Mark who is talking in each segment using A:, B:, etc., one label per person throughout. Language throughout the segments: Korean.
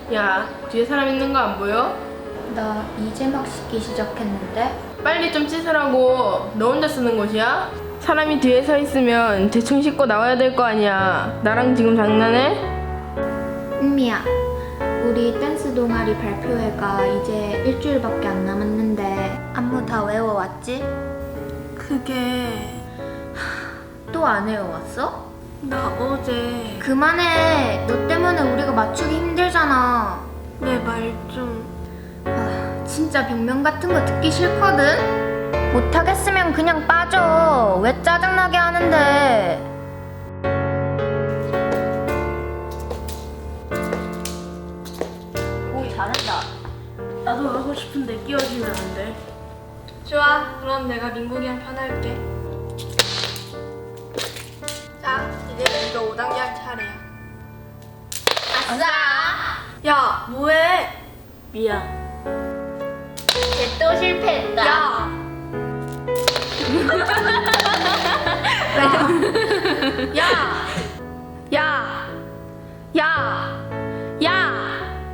A: 야, 뒤에 사람 있는 거 안 보여?
B: 나 이제 막 씻기 시작했는데.
A: 빨리 좀 씻으라고. 너 혼자 쓰는 곳이야? 사람이 뒤에 서 있으면 대충 씻고 나와야 될 거 아니야. 나랑 지금 장난해?
B: 은미야, 우리 댄스 동아리 발표회가 이제 일주일밖에 안 남았는데 안무 다 외워왔지?
C: 그게
B: 또 안 외워왔어?
C: 나 어제
B: 그만해. 너 때문에 우리가 맞추기 힘들잖아.
C: 내 말 좀
B: 아, 진짜 변명 같은 거 듣기 싫거든? 못하겠으면 그냥 빠져. 왜 짜증나게 하는데? 오, 잘한다.
C: 나도 하고 싶은데 끼워주면 안 돼? 좋아, 그럼 내가 민국이랑 편할게. 자, 이제 이거 5단계 할 차례야.
B: 아싸!
C: 야, 뭐해? 미안.
B: 쟤 또 실패했다.
C: 야! 야! 야! 야! 야!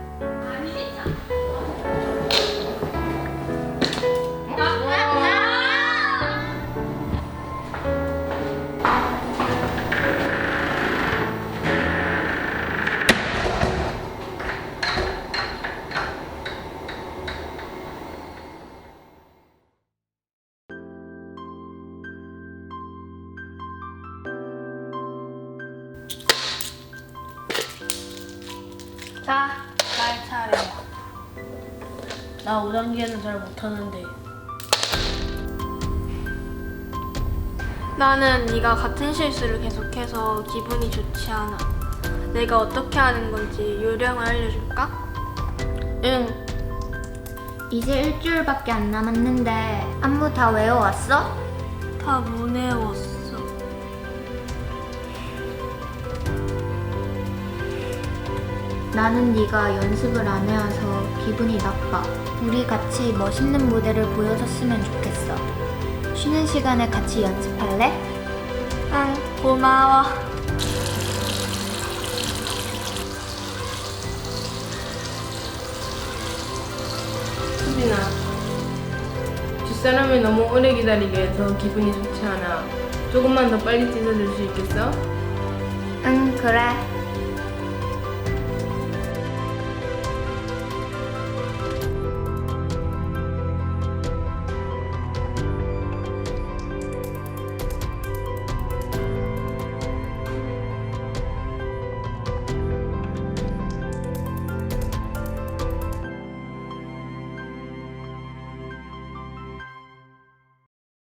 C: 자, 날 차례야. 나 5단계는 잘 못하는데. 나는 네가 같은 실수를 계속해서 기분이 좋지 않아. 내가 어떻게 하는 건지 요령을 알려줄까?
A: 응.
B: 이제 일주일밖에 안 남았는데 안무 다 외워왔어?
C: 다 못 외웠어.
B: 나는 네가 연습을 안 해와서 기분이 나빠. 우리 같이 멋있는 무대를 보여줬으면 좋겠어. 쉬는 시간에 같이 연습할래?
C: 응, 고마워.
A: 수빈아, 뒷사람을 너무 오래 기다리게 해서 기분이 좋지 않아. 조금만 더 빨리 씻어줄 수 있겠어?
B: 응, 그래.